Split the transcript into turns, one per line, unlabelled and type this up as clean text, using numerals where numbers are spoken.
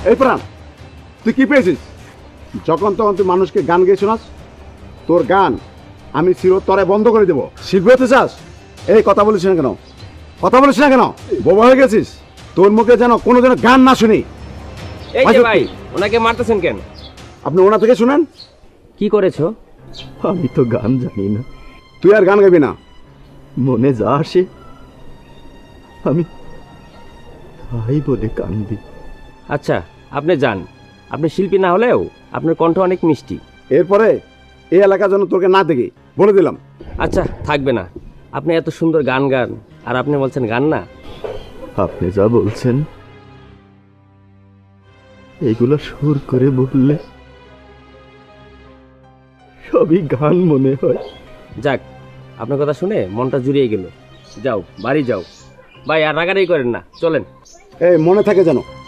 এই প্রাণ, তুই কি পেয়েছিস? যখন তখন তুই মানুষকে গান গেয়ে শোনাস। তোর গান আমি চিরতরে বন্ধ করে দেবো। শিল্পী হতে চাস? এই কথা বলিস না কেন? কথা বলিস না কেন? বোবা হয়ে গেছিস? তোর মুখে যেন কোনো যেন গান না শুনি।
এই যে ভাই, ওনাকে মারতেছেন কেন?
আপনি ওনা থেকে শুনেন।
কি করেছো?
আমি তো গান জানি না,
তুই আর গান গাবি না।
মনে যা আসে আমি তাই বলে কান্দি।
আচ্ছা, আপনি যান। আপনি শিল্পী না হলেও আপনার কণ্ঠ অনেক মিষ্টি।
এরপরে এই এলাকা যেন তোকে না দেখি, বলে দিলাম।
আচ্ছা, থাকবে না। আপনি এত সুন্দর গান গান, আর আপনি বলছেন গান না।
আপনি যা বলছেন এগুলা সুর করে বললে সবই গান মনে হয়।
যাক, আপনার কথা শুনে মনটা জুড়িয়ে গেল। যাও, বাড়ি যাও। ভাই, আর রাগারাগি করেন না, চলেন।
এই মনে থাকে যেন।